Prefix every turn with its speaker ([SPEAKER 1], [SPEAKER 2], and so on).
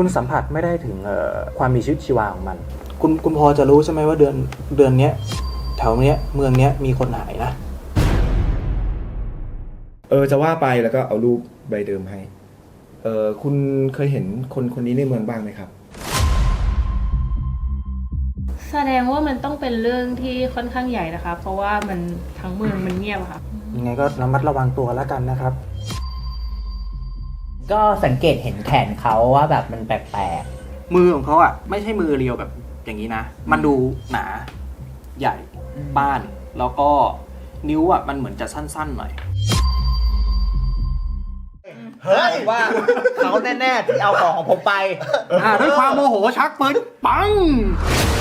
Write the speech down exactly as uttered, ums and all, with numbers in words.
[SPEAKER 1] คุณสัมผัสไม่ได้ถึงความมีชีวิตชีวาของมันคุณคุณพอจะรู้ใช่ไหมว่าเดือนเดือนนี้แถวเนี้ยเมืองเนี้ยมีคนหายนะ
[SPEAKER 2] เออจะว่าไปแล้วก็เอารูปใบเดิมให้เออคุณเคยเห็นคนคนนี้ในเมืองบ้างไหมครับ
[SPEAKER 3] แสดงว่ามันต้องเป็นเรื่องที่ค่อนข้างใหญ่นะคะเพราะว่ามันทั้งเมืองมันเงียบค่ะ
[SPEAKER 1] ยังไงก็ระมัดระวังตัวแล้วกันนะครับ
[SPEAKER 4] ก็สังเกตเห็นแขนเขาว่าแบบมันแปลก
[SPEAKER 1] ๆมือของเขาอ่ะไม่ใช่มือเรียวแบบอย่างนี้นะมันดูหนาใหญ่บ้านแล้วก็นิ้วอ่ะมันเหมือนจะสั้นๆหน่อย
[SPEAKER 5] เฮ้ยว่าเขาแน่ๆที่เอาของของผมไป
[SPEAKER 1] ด้วยความโมโหชักปืนปัง